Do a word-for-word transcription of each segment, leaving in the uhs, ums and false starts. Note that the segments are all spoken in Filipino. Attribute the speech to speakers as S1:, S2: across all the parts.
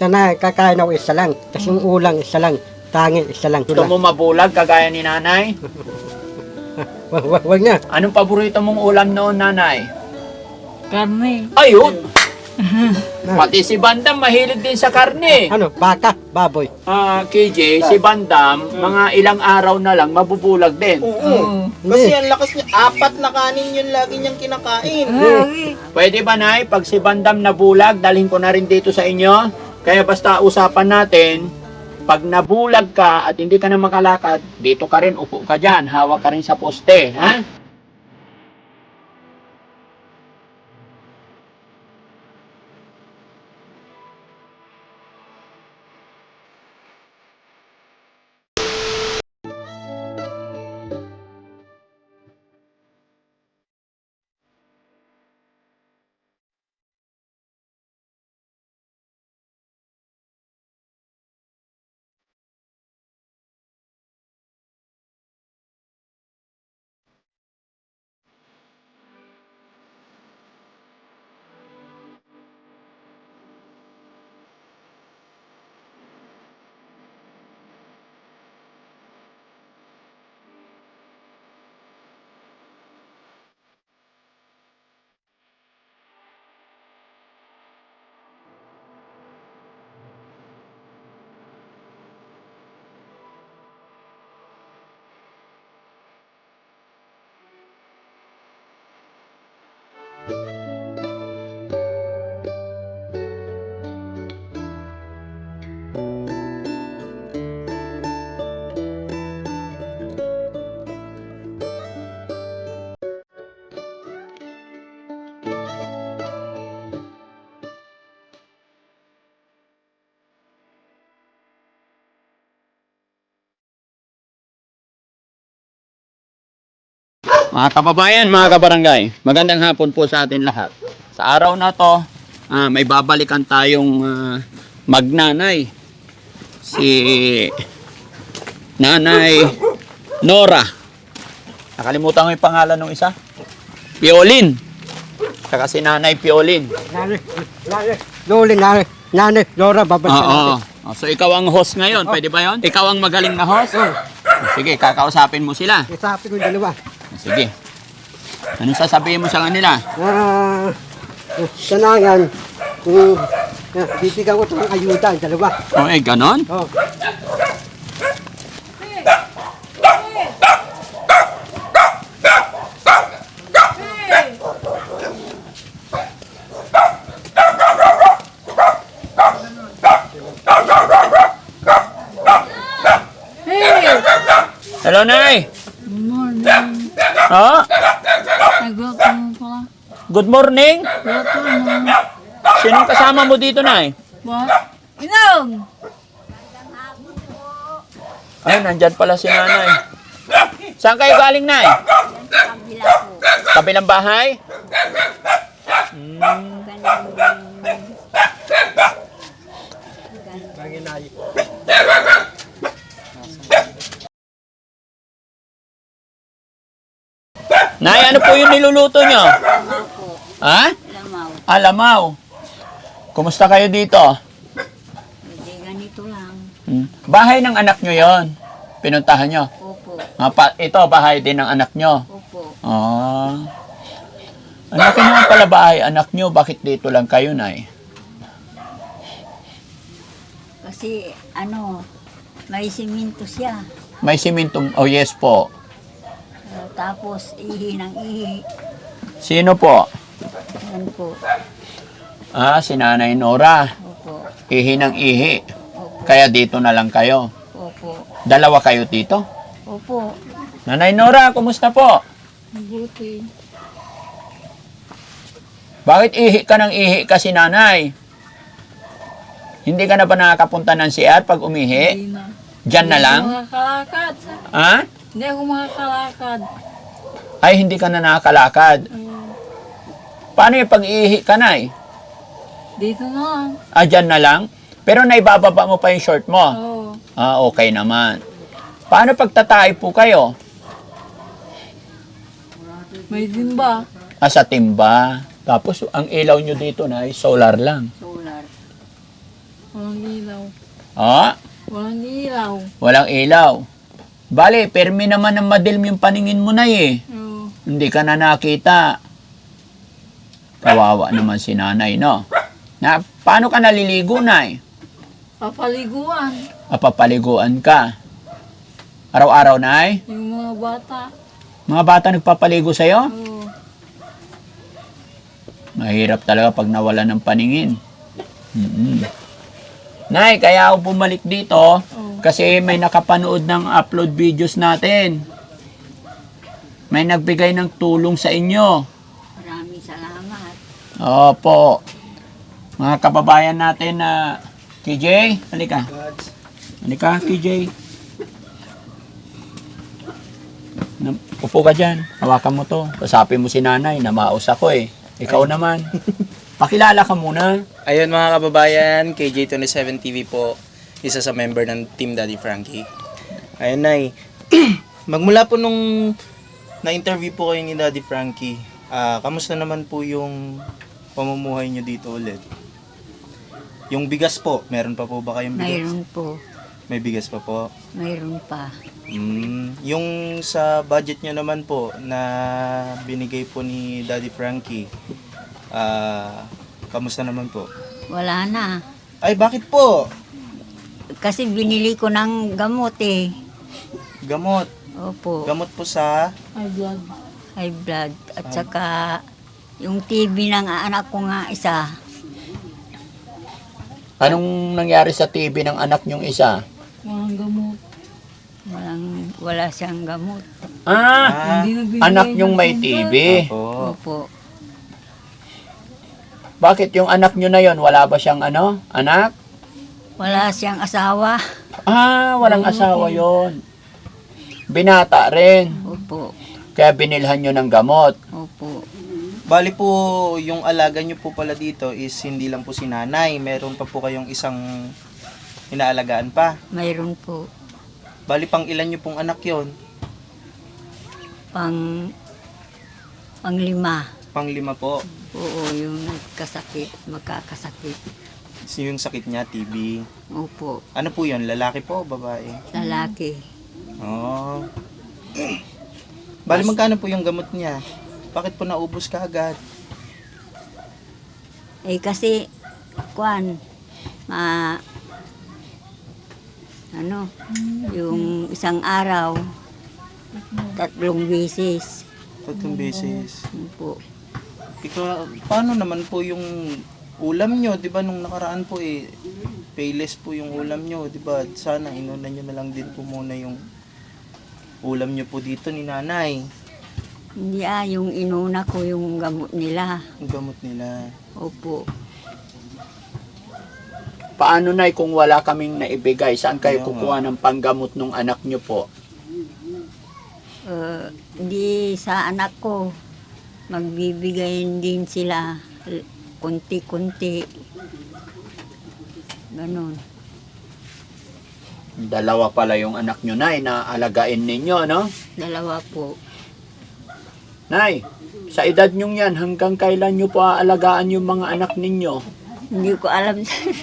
S1: Sana kakain ako isa lang. Kasi yung ulang isa lang. Tangin isa lang.
S2: Gusto mo mabulag kagaya ni nanay?
S1: Wag, wag, wag na.
S2: Anong paborito mong ulam noon, nanay?
S3: Karne.
S2: Ayun! Pati si Bandam mahilig din sa karne.
S1: Ano? Baka? Baboy?
S2: Ah, K J, si Bandam, mga ilang araw na lang mabubulag din.
S4: Oo. Kasi ang lakas niya, apat na kanin yun lagi niyang kinakain.
S3: Ay,
S2: Pwede ba, nay? Pag si Bandam nabulag, dalhin ko na rin dito sa inyo. Kaya basta usapan natin, pag nabulag ka at hindi ka na makalakad, dito ka rin, upo ka dyan, hawak ka rin sa poste, ha? Mga kababayan, mga kabarangay, magandang hapon po sa atin lahat. Sa araw na to, ah, may babalikan tayong ah, magnanay. Si Nanay Nora. Nakalimutan ko yung pangalan ng isa. Piolin. Saka si Nanay Piolin.
S1: Nani, nani, Loli, nani, nani, Lora, babalik
S2: Oo.
S1: natin.
S2: Oh, so ikaw ang host ngayon, pwede ba yon? Ikaw ang magaling na host? Sige, kakausapin mo sila.
S1: Isapi ko yung dalawa.
S2: Sige. Ano sasabihin mo sa kanila?
S1: Ah, sanangan, kung uh, bibigyan ko ito ng ayuda, yung dalawa.
S2: O eh, ganon?
S1: Oh.
S2: Hello, Nay!
S3: good morning.
S2: Oh,
S3: Nagwelcome pala.
S2: good morning!
S3: Welcome.
S2: Sinong kasama mo dito, Nay?
S3: What? Inog!
S2: Ay, nandyan pala si Nanay. Saan kayo galing, Nay?
S5: Kabila po.
S2: Kabilang bahay? Hmm. Nay, ano po yung niluluto nyo?
S5: Lamaw po.
S2: Ha?
S5: Lamaw.
S2: Alamaw. Kumusta kayo dito?
S5: Hindi ganito lang.
S2: Hmm. Bahay ng anak nyo yon. Pinuntahan nyo.
S5: Opo.
S2: Ah, pa, ito, bahay din ng anak nyo.
S5: Opo.
S2: Ah. Anak nyo pala bahay, anak nyo, bakit dito lang kayo, Nay?
S5: Kasi ano, may siminto siya.
S2: May simintong, oh yes po.
S5: Uh, tapos ihi ng ihi.
S2: Sino po?
S5: Yan po.
S2: Ah, si Nanay Nora.
S5: Opo.
S2: Ihi ng ihi.
S5: Opo.
S2: Kaya dito na lang kayo.
S5: Opo.
S2: Dalawa kayo dito?
S5: Opo.
S2: Nanay Nora, kumusta po?
S3: Mabuti.
S2: Bakit ihi ka ng ihi kasi, Nanay? Hindi ka na ba nakakapunta ng C R pag umihi?
S3: Hindi na.
S2: Diyan na lang?
S3: Hindi ako makakalakad.
S2: Ha?
S3: Hindi ako makakalakad.
S2: Ay, hindi ka na nakakalakad.
S3: Uh,
S2: Paano yung pag-ihi ka, Nay?
S3: dito na lang.
S2: Ah, dyan na lang? Pero naibababa mo pa yung short mo?
S3: Oo.
S2: Ah, okay naman. Paano pagtatay po kayo?
S3: May dimba.
S2: Ah, sa timba. Tapos, ang ilaw nyo dito na ay solar lang.
S5: Solar.
S3: Walang ilaw.
S2: Oh,
S3: Walang ilaw.
S2: walang ilaw. Bale, permi naman ng madilim yung paningin mo na eh.
S3: Oo.
S2: Hindi ka na nakita. Kawawa naman si nanay, no? Na, paano ka naliligo, nay?
S3: Papaliguan.
S2: Papapaliguan ka. Araw-araw, nay?
S3: Yung mga bata.
S2: Mga bata nagpapaligo sa'yo?
S3: Oo.
S2: Mahirap talaga pag nawala ng paningin. Mm-mm. Nay, kaya ako bumalik dito kasi may nakapanood ng upload videos natin. May nagbigay ng tulong sa inyo.
S5: Maraming salamat.
S2: Opo. Mga kababayan natin na K J, halika. Halika, K J. Na- Upo ka dyan. Hawakan mo to. Kasapin mo si nanay. Namaos ako eh. Ikaw naman. Pakilala ka muna.
S4: Ayun mga kababayan, K J twenty-seven T V po, isa sa member ng Team Daddy Frankie. Ayun Nay, magmula po nung na-interview po kayo ni Daddy Frankie, ah kamusta naman po yung pamumuhay nyo dito ulit? Yung bigas po, meron pa po ba kayong bigas?
S5: Mayroon po.
S4: May bigas pa po.
S5: Mayroon pa.
S4: Mm, yung sa budget nyo naman po na binigay po ni Daddy Frankie, ah kamusta naman po?
S5: Wala na.
S4: Ay, bakit po?
S5: Kasi binili ko ng gamot eh.
S4: Gamot.
S5: Opo.
S4: Gamot po sa...
S3: High blood.
S5: High blood. At saka yung T B ng anak ko nga isa.
S2: Anong nangyari sa T V ng anak niyong isa?
S3: Walang gamot.
S5: Walang, wala siyang gamot.
S2: Ah,
S4: Ah,
S3: Hindi nagbibigay
S2: anak
S3: ng
S2: niyong may T
S3: center.
S2: V.
S4: po.
S5: Opo.
S2: Bakit yung anak niyo na yon wala ba siyang ano? Anak?
S5: Wala siyang asawa.
S2: Ah, walang asawa yon. Binata rin.
S5: Opo.
S2: Kaya binilhan nyo ng gamot.
S5: Opo.
S4: Bali po, yung alaga nyo po pala dito is hindi lang po si nanay. Meron pa po kayong isang inaalagaan pa.
S5: Mayroon po.
S4: Bali pang ilan nyo pong anak yon?
S5: Pang, pang lima.
S4: Pang lima po.
S5: Oo, yung nagkasakit, magkakasakit.
S4: So, yung sakit niya, T B.
S5: Opo.
S4: Ano po yun? Lalaki po o babae?
S5: Lalaki.
S4: Oh. Bali magkano po yung gamot niya? Bakit po naubos ka agad?
S5: Eh kasi, kwan, ma, ano, yung isang araw, tatlong beses.
S4: Tatlong beses.
S5: Yun po.
S4: Ikaw, paano naman po yung ulam nyo? Di ba nung nakaraan po eh, payless po yung ulam nyo. Di ba? Sana inuna nyo na lang din po muna yung ulam nyo po dito ni nanay.
S5: Hindi ah, yung inuna ko yung gamot nila.
S4: Yung gamot nila.
S5: Opo.
S2: Paano na kung wala kaming naibigay? Saan kayo
S4: Kaya
S2: kukuha ng panggamot ng anak nyo po?
S5: Uh, hindi sa anak ko. Magbibigayin din sila. l- Kunti-kunti. Ganon.
S2: Dalawa pala yung anak nyo, Nay, na alagain ninyo, no?
S5: Dalawa po.
S2: Nay, sa edad nyong yan, hanggang kailan nyo po aalagaan yung mga anak ninyo?
S5: Hindi ko alam.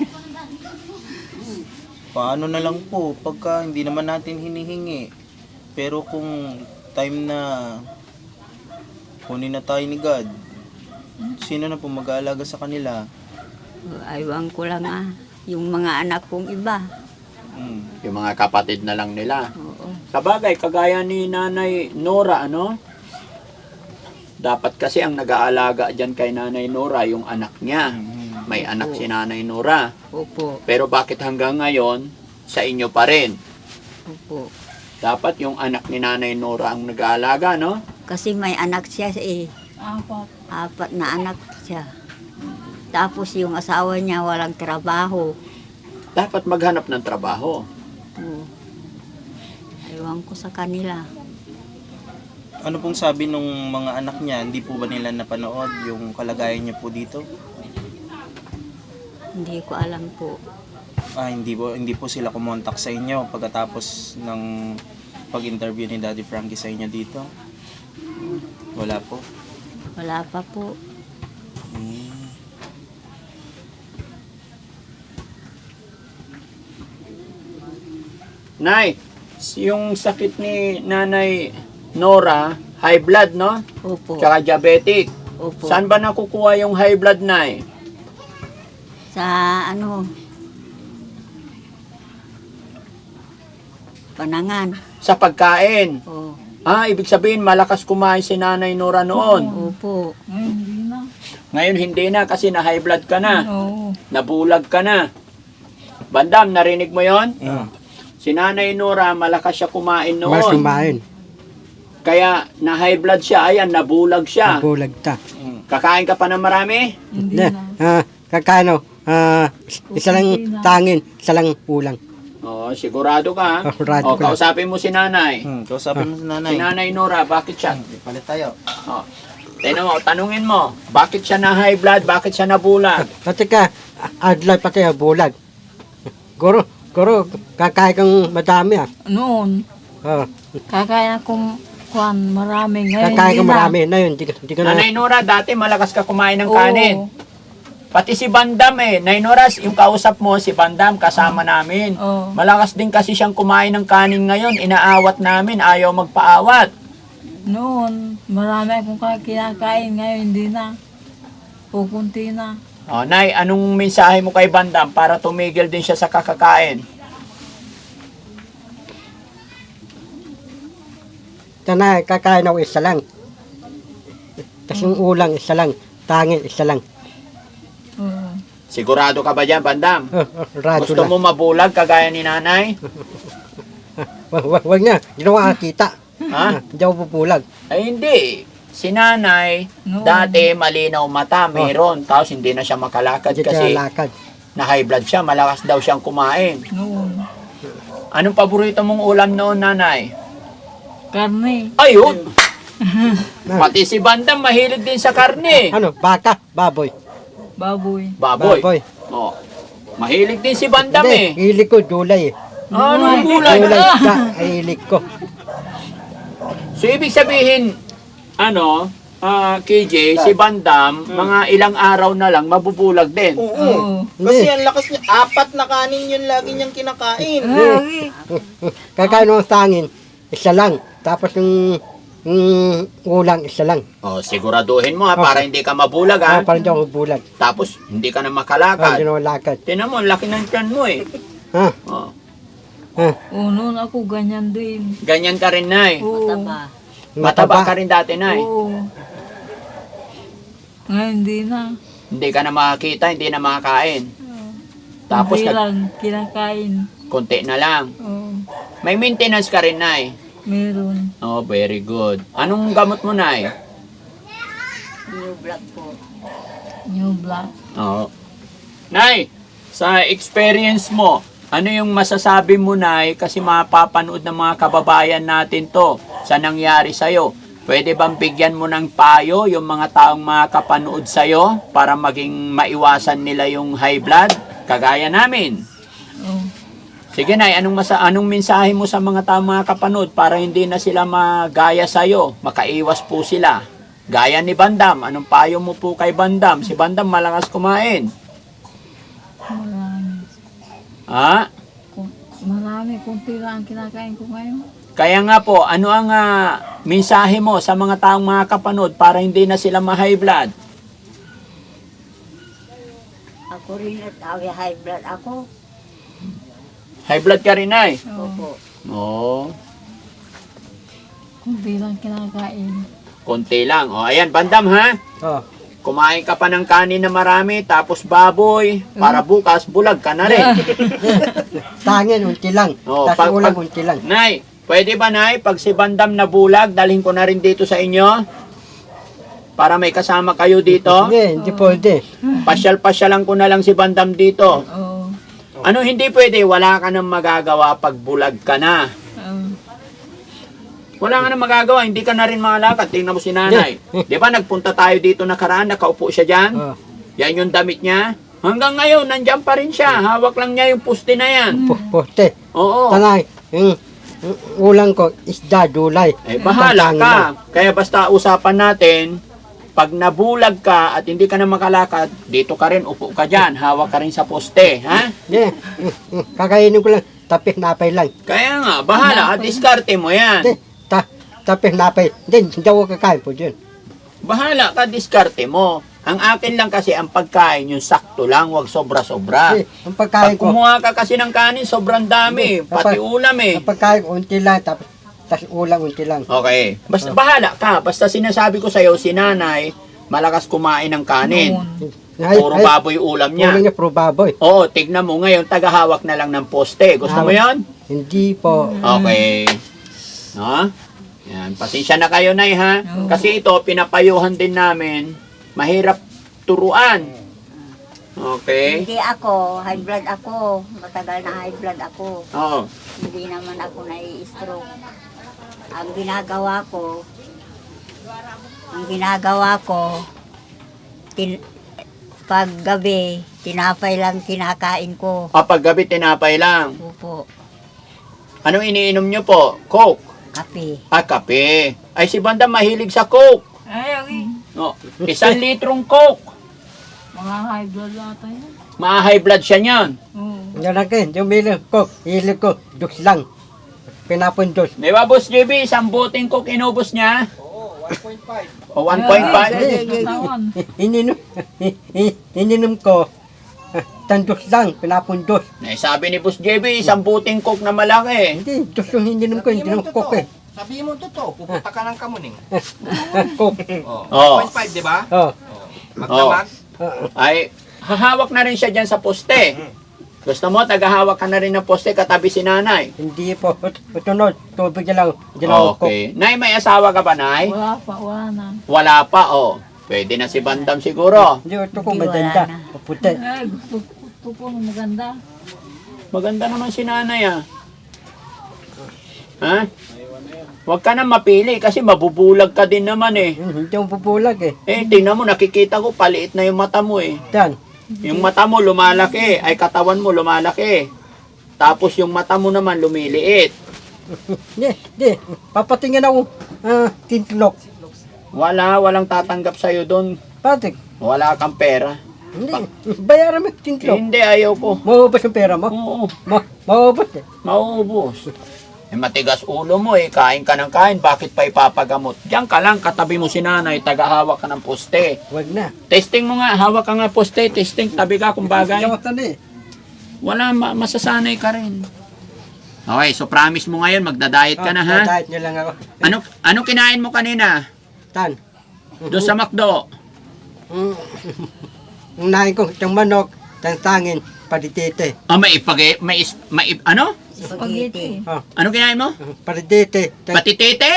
S4: Paano na lang po pagka hindi naman natin hinihingi. Pero kung time na kunin na tayo ni God, sino na po mag-aalaga sa kanila?
S5: Aywan ko lang ah. Yung mga anak kong iba.
S4: Hmm.
S2: Yung mga kapatid na lang nila.
S5: Oo.
S2: Sa bagay, kagaya ni Nanay Nora, ano? Dapat kasi ang nag-aalaga dyan kay Nanay Nora, yung anak niya. May anak si Nanay Nora.
S5: Opo.
S2: Pero bakit hanggang ngayon, sa inyo pa rin?
S5: Opo.
S2: Dapat yung anak ni Nanay Nora ang nag-aalaga, no?
S5: Kasi may anak siya eh.
S3: Apat.
S5: Apat na anak siya. Tapos yung asawa niya walang trabaho.
S2: Dapat maghanap ng trabaho.
S5: Oo. Aywan ko sa kanila.
S4: Ano pong sabi nung mga anak niya? Hindi po ba nila napanood yung kalagayan niya po dito?
S5: Hindi ko alam po.
S4: Ah, hindi po, hindi po sila kumontak sa inyo pagkatapos ng pag-interview ni Daddy Frankie sa inyo dito? Wala po.
S5: Wala pa po.
S4: Hmm.
S2: Nay, yung sakit ni Nanay Nora, high blood, no?
S5: Opo.
S2: Tsaka diabetic.
S5: Opo.
S2: Saan ba nakukuha yung high blood, Nay?
S5: Sa ano, panangan.
S2: Sa pagkain.
S5: Oh.
S2: Ah, ibig sabihin, malakas kumain si Nanay Nora noon.
S5: Opo.
S3: Ngayon, hindi na.
S2: Ngayon, hindi na kasi na high blood ka na.
S3: Oo.
S2: Nabulag ka na. Bandam, narinig mo yon?
S4: Mm.
S2: Si Nanay Nora, malakas siya kumain noon.
S1: Mas kumain.
S2: Kaya na high blood siya, ayan, nabulag siya.
S1: Nabulag ta.
S2: Kakain ka pa ng marami?
S3: Hindi
S1: Ne,
S3: na.
S1: ah, kakano, ah, isa lang tangin, isa lang ulang.
S2: Oo, sigurado ka. ha?
S1: Sigurado
S2: O,
S1: ka.
S2: kausapin mo si Nanay.
S4: Hmm, kausapin mo si nanay.
S2: Si Nanay Nora, bakit siya?
S4: Palit tayo.
S2: O, tingnan mo, tanungin mo, bakit siya na high blood, bakit siya nabulag?
S1: Pati ka, adlay pati ah, bulag. Guro, guro, kakain kang madami ah.
S3: Noon,
S1: Oh,
S3: kakain akong kwan, marami. Ngayon,
S1: kakain
S3: hindi
S1: kang
S3: na.
S1: marami. Na yun, di, ka- di ka na.
S2: Nanay Nora, dati malakas ka kumain ng
S3: Oo.
S2: kanin. Pati si Bandam eh. Nay Nora, yung kausap mo, si Bandam, kasama namin.
S3: Oo.
S2: Malakas din kasi siyang kumain ng kanin ngayon. Inaawat namin, ayaw magpaawat.
S3: Noon, marami akong kinakain. Ngayon, hindi na. Pukunti na.
S2: O, Nay, anong mensahe mo kay Bandam para tumigil din siya sa kakakain?
S1: Tanay, kakain ako isa lang. Tapos yung ulang isa lang, tangin isa lang.
S3: Oo.
S2: Sigurado ka ba dyan, Bandam?
S1: Oh, oh, radyo
S2: Gusto
S1: lang.
S2: mo mabulag kagaya ni Nanay?
S1: Wag, wag, wag na, hindi na ako nakakita.
S2: Ha?
S1: Hindi ako pupulag.
S2: Ay, hindi. Si Nanay,
S3: No.
S2: dati malinaw mata, meron. Tapos hindi na siya makalakad
S1: Hindi
S2: kasi
S1: ka lakad.
S2: na high blood siya, malakas daw siyang kumain.
S3: Noon.
S2: Anong paborito mong ulam noon, Nanay?
S3: Karne.
S2: Ayun! Pati si Bandam mahilig din sa karne.
S1: Ano, baka, baboy.
S3: Baboy.
S2: Baboy.
S1: Baboy.
S2: Oh. Mahilig din si Bandam
S1: Hindi,
S2: eh.
S1: hilig ko, gulay eh.
S2: Ano gulay?
S1: Gulay
S2: Ah!
S1: ka, ay hilig ko.
S2: So, ibig sabihin, ano, ah, K J, si Bandam, mga ilang araw na lang, mabubulag din.
S4: Oo.
S3: Oo.
S4: Kasi ang lakas niya, apat na kanin yun lagi niyang kinakain.
S3: Ay,
S1: Kakain ng tangin, isa lang. Tapos yung, yung ulang, isa lang.
S2: Oh, siguraduhin mo ha, para hindi ka mabulag ha.
S1: Ah, parang di ako bulag.
S2: Tapos, hindi ka na
S1: Ah, hindi
S2: makalakad.
S1: na ako lakad.
S2: Tinan mo, laki ng tiyan mo eh.
S1: Ha?
S2: Oh.
S1: Ha?
S3: oo, noon ako ganyan din.
S2: Ganyan ka rin, Nay.
S3: Oo.
S5: Taba.
S2: Mataba ka rin dati, Nay.
S3: Oo. Ngayon, hindi na.
S2: Hindi ka na makakita, hindi na makakain. Tapos,
S3: Hindi
S2: nag-
S3: lang kinakain.
S2: konti na lang.
S3: Oo.
S2: May maintenance ka rin, Nay.
S3: Meron.
S2: Oh, very good. Anong gamot mo, Nay?
S5: New black po.
S3: New black.
S2: Oo. Nay, sa experience mo, ano yung masasabi mo, Nay, kasi mapapanood ng mga kababayan natin to sa nangyari sa'yo? Pwede bang bigyan mo ng payo yung mga taong makapanood sa'yo para maging maiwasan nila yung high blood? Kagaya namin.
S3: Oo.
S2: Sige, Nay, anong, masa anong mensahe mo sa mga taong makapanood para hindi na sila magaya sa'yo? Makaiwas po sila. Gaya ni Bandam, anong payo mo po kay Bandam? Si Bandam malakas kumain.
S3: Marami.
S2: Ha?
S3: Kun- Marami. Kunti lang ang kinakain ko ngayon.
S2: Kaya nga po, ano ang ah, mensahe mo sa mga taong makakapanood para hindi na sila ma-high blood?
S5: Ako rin at awi high blood ako.
S2: High blood ka rin, Nay?
S3: Oo.
S5: Opo.
S2: Oo.
S3: Kunti lang kinakain.
S2: Konti lang. O, ayan, Bandam, ha?
S1: Oh.
S2: Kumain ka pa ng kanin na marami, tapos baboy, para bukas, bulag ka na rin.
S1: Tangin, unti lang.
S2: Oh,
S1: Tapos
S2: pag-
S1: ulang,
S2: pag-
S1: unti lang.
S2: Nay, pwede ba, Nay, pag si Bandam na bulag, dalhin ko na rin dito sa inyo? Para may kasama kayo dito?
S1: Hindi, hindi pwede.
S2: Pasyal-pasyalan ko na lang si Bandam dito.
S3: Oo.
S2: Ano hindi pwede? Wala ka nang magagawa pag bulag ka na.
S3: Oo.
S2: Wala ka nang magagawa, hindi ka na rin makalakad. Tingnan mo si Nanay. Di ba nagpunta tayo dito nakaraan, nakaupo siya dyan?
S1: Oh.
S2: Yan yung damit niya. Hanggang ngayon, nandyan pa rin siya. Hawak lang niya yung puste na yan.
S1: Po, poste.
S2: Oo.
S1: Tanay, yung, yung ulang ko, isda, dulay.
S2: Eh, bahala
S1: Tangin
S2: ka.
S1: lang.
S2: Kaya basta usapan natin, pag nabulag ka at hindi ka na makalakad, dito ka rin, upo ka dyan. Hawak ka rin sa poste. Ha?
S1: Hindi, mm, mm, kakainin ko lang, tapis napay lang.
S2: Kaya nga, bahala, at diskarte mo yan.
S1: Hindi, ta, tapis napay. Hindi, hindi ako kakain po dyan.
S2: Bahala ka, diskarte mo. Ang akin lang kasi ang pagkain, yung sakto lang, wag sobra-sobra.
S1: Hindi, ang
S2: Pag
S1: pagkain ko,
S2: kumuha ka kasi ng kanin, sobrang dami.
S1: Hindi,
S2: Pati
S1: kapag-
S2: ulam eh.
S1: ang pagkain ko, unti lang, tapos, tapos ulang unti lang.
S2: Okay. Basta bahala ka. Basta sinasabi ko sa'yo, si nanay, malakas kumain ng kanin.
S1: Ay,
S2: Puro
S1: ay,
S2: baboy ulam niya.
S1: Ulo niya, puro baboy.
S2: Oo, tignan mo ngayon, tagahawak na lang ng poste. Gusto mo
S1: Hawak.
S2: yon?
S1: Hindi po.
S2: Okay. No? Yan, pasensya na kayo, Nay, ha? Kasi ito, pinapayuhan din namin. Mahirap turuan. Okay?
S5: Hindi ako, high blood ako. Matagal na high blood ako.
S2: Oo.
S5: Hindi naman ako nai-stroke. Ang ginagawa ko, ang ginagawa ko, tin, pag gabi, tinapay lang kinakain ko.
S2: Kapag gabi, tinapay lang.
S5: Opo,
S2: Anong iniinom nyo po? Coke?
S5: kape.
S2: Ah, kape. Ay, si Banda mahilig sa Coke.
S3: Ay, okay.
S2: No, isang litrong Coke.
S3: Mga high blood ata yan.
S2: Ma-high blood siya niyan.
S3: Oo.
S1: Yan lang kayo, yung milig ko, hilig ko, dos lang. Pinapundos.
S2: Di ba, Boss J B, isang boteng Coke inubos niya? Oo, one point five. O, one point five?
S3: Ay, katawan.
S1: Ininom, ininom ko, tandos lang, pinapundos.
S2: Eh, sabi ni Boss J B, isang boteng Coke na malaki.
S1: Hindi, dos yung ininom ko, hindi naman coke eh.
S6: Sabihin mo totoo, pupunta ka ng Kamuning.
S1: Coke.
S6: Oh,
S2: Oo.
S6: one point five, di ba?
S1: Oh.
S6: Magdamag.
S2: Ay, hahawak na rin siya dyan sa poste. Gusto mo, tagahawak ka na rin ng poste katabi si nanay.
S1: Hindi po, tunod, tubig na lang, hindi na ako coke.
S2: Okay. Nay, may asawa ka ba, Nay?
S3: Wala pa, wala na.
S2: Wala pa, oh. Pwede na si Bandam siguro.
S1: Hindi, ito ko
S5: Hindi, wala
S1: maganda,
S5: na.
S1: puti.
S3: Ay, gusto, gusto ko na maganda.
S2: Maganda naman si nanay, ah. Ha? Huwag ka na mapili kasi mabubulag ka din naman eh.
S1: Hmm, Hindi ako pupulag eh.
S2: Eh, tingnan mo, nakikita ko, paliit na yung mata mo eh.
S1: Yan.
S2: Yung mata mo lumalaki, ay katawan mo lumalaki. Tapos yung mata mo naman lumiliit.
S1: Hindi, hindi, papatingin ako, ah, tintlok.
S2: Wala, walang tatanggap sa'yo doon.
S1: Patik,
S2: Wala kang pera.
S1: hindi, bayaran mo yung tintlok.
S2: Hindi, ayaw ko.
S1: Maubos yung pera mo?
S2: Oo,
S1: Ma maubos eh.
S2: mauubos. Eh, matigas ulo mo eh, kain ka ng kain, bakit pa ipapagamot? Diyan ka lang, katabi mo si nanay, tagahawak ka ng poste.
S1: Wag na.
S2: Testing mo nga, hawak ka nga poste, testing, tabi ka kung bagay.
S1: Hindi ako tani.
S2: Wala, ma- masasanay ka rin. Okay, so promise mo ngayon, magda-diet ka na ha?
S1: Diet nyo lang ako.
S2: Ano, ano kinain mo kanina?
S1: Tan.
S2: Doon sa McDo?
S1: Mm. Ang nahin ko, itong manok, itong tangin, paditete.
S2: Ah, may ipag may, is, may ip- ano?
S5: Spaghetti.
S1: Oh,
S2: Ano kinain mo?
S1: paditete. Itong-
S2: Patitete?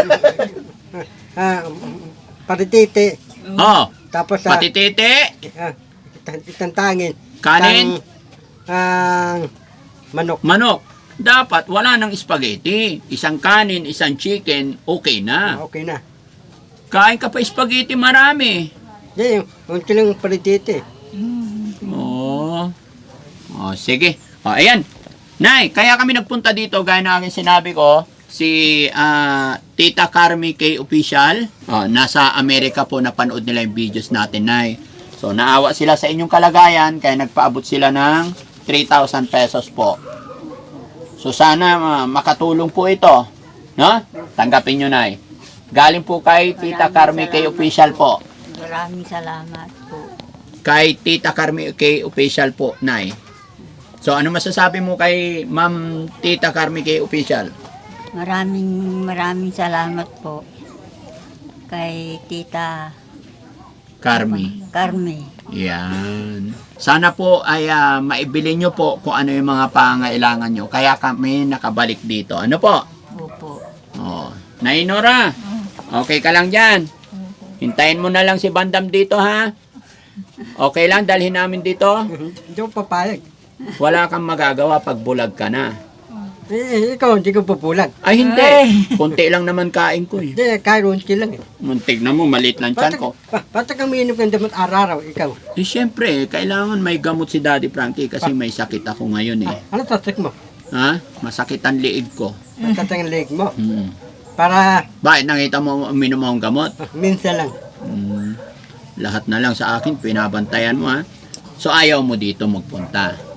S1: Ah, paditete.
S2: Oh,
S1: Tapos sa,
S2: patitete,
S1: ah, itong, itong tangin.
S2: kanin,
S1: Itong, ah, manok.
S2: manok. Dapat wala ng spaghetti. Isang kanin, isang chicken, okay na.
S1: Okay na.
S2: Kain ka pa spaghetti marami.
S1: Hindi, yung, yung tilang paditete.
S2: Oo. Oh, sige. Oh, ayan. Nay, kaya kami nagpunta dito, gaya na aking sinabi ko, si ah, Tita Carmi K Official. Oh, nasa Amerika po, napanood nila yung videos natin, Nay. So, naawa sila sa inyong kalagayan, kaya nagpaabot sila ng three thousand pesos po. So, sana ah, makatulong po ito. No? Tanggapin nyo, Nay. Galing po kay Tita Carmi K Official po.
S5: Maraming salamat po.
S2: Kay Tita Carmi K Official po, Nay. So, ano masasabi mo kay Ma'am Tita Carmi K Official?
S5: Maraming maraming salamat po kay Tita
S2: Carmi.
S5: Carme.
S2: Yan. Sana po ay ah, maibili nyo po kung ano yung mga pangailangan nyo. Kaya kami nakabalik dito. Ano po?
S5: Opo.
S2: Oh. Nay Nora, okay ka lang dyan. Hintayin mo na lang si Bandam dito, ha? Okay lang, dalhin namin dito.
S1: Hindi ko papayag.
S2: Wala kang magagawa pag bulag ka na.
S1: Eh, ikaw, hindi ko pupulag.
S2: Ay, hindi. Kunti lang naman kain ko eh.
S1: Hindi, kahit unti lang eh.
S2: Muntik na mo, maliit lang tiyan ko.
S1: Basta kang umiinom ng damot araw-araw, ikaw.
S2: Eh, syempre, kailangan may gamot si Daddy Frankie kasi may sakit ako ngayon eh.
S1: Ano tatak mo?
S2: Ha? Masakit ang liig ko.
S1: Tatak ang leg mo.
S2: Hmm.
S1: Para
S2: Bakit nakita mo uminom mo ang gamot?
S1: ah, minsan lang.
S2: Hmm. Lahat na lang sa akin, pinabantayan mo ha. So, ayaw mo dito magpunta.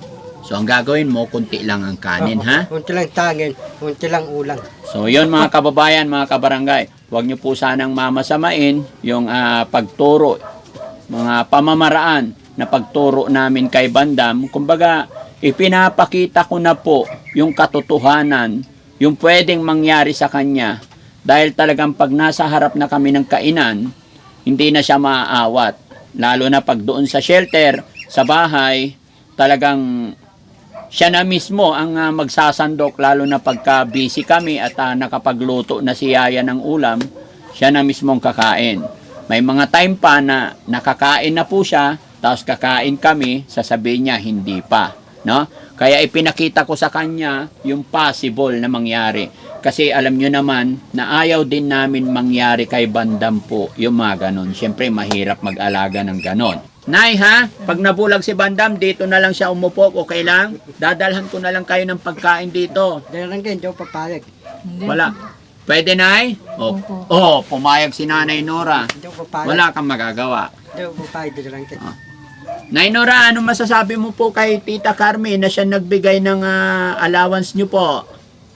S2: So, ang gagawin mo, kunti lang ang kanin, ha?
S1: Unti lang tangin, unti lang ulang.
S2: So, yun mga kababayan, mga kabarangay. Huwag nyo po sanang mamasamain yung ah, pagturo, mga pamamaraan na pagturo namin kay Bandam. Kumbaga, ipinapakita ko na po yung katotohanan, yung pwedeng mangyari sa kanya. Dahil talagang pag nasa harap na kami ng kainan, hindi na siya maaawat. Lalo na pag doon sa shelter, sa bahay, talagang siya na mismo ang uh, magsasandok, lalo na pagka busy kami at uh, nakapagluto na si Yaya ng ulam, siya na mismo ang kakain. May mga time pa na nakakain na po siya, tapos kakain kami, sasabihin niya hindi pa, no? Kaya ipinakita ko sa kanya yung possible na mangyari. Kasi alam nyo naman na ayaw din namin mangyari kay Bandam po yung mga ganon. Siyempre mahirap mag-alaga ng ganon. Nay ha, pag nabulag si Bandam, dito na lang siya umupo, okay lang? Dadalhan ko na lang kayo ng pagkain dito.
S1: Dahil lang kayo, hindi ako papayag.
S3: Hindi.
S2: Wala. Pwede, Nay? O,
S3: Opo.
S2: oh, pumayag si Nanay Nora.
S1: Hindi ako papayag.
S2: Wala kang magagawa.
S1: Hindi ako papayag, dahil lang kayo.
S2: Nay Nora, ano masasabi mo po kay Tita Carmen na siya nagbigay ng ah, allowance niyo po?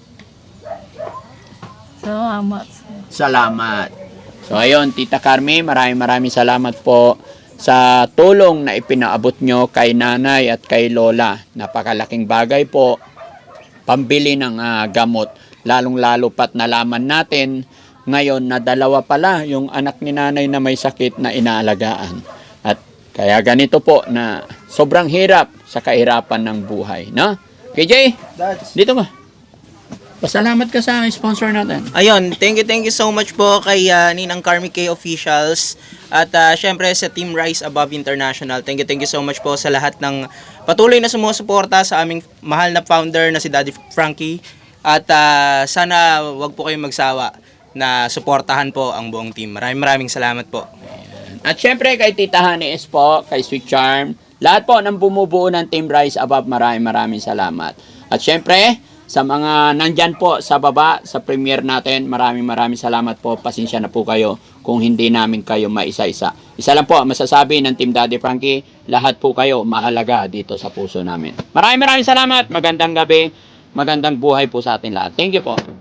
S3: Salamat.
S2: Salamat. So ayun, Tita Carmen, maraming maraming salamat po sa tulong na ipinaabot nyo kay nanay at kay lola. Napakalaking bagay po, pambili ng ah, gamot. Lalong-lalo pat nalaman natin ngayon na dalawa pala yung anak ni nanay na may sakit na inaalagaan. At kaya ganito po na sobrang hirap sa kahirapan ng buhay. No? K J, dito ka. Pasalamat ka sa sponsor natin.
S4: Ayun, thank you, thank you so much po kay uh, Ninang Carmi K Officials at uh, syempre sa Team Rise Above International. Thank you, thank you so much po sa lahat ng patuloy na sumusuporta sa aming mahal na founder na si Daddy Frankie. At uh, sana wag po kayong magsawa na suportahan po ang buong team. Maraming maraming salamat po.
S2: At syempre kay Tita Hanes po, kay Sweet Charm, lahat po ng bumubuo ng Team Rise Above, maraming maraming salamat. At syempre, sa mga nandyan po sa baba, sa premiere natin, maraming maraming salamat po. Pasensya na po kayo kung hindi namin kayo maisa-isa. Isa lang po, masasabi ng Team Daddy Frankie, lahat po kayo mahalaga dito sa puso namin. Maraming maraming salamat. Magandang gabi. Magandang buhay po sa atin lahat. Thank you po.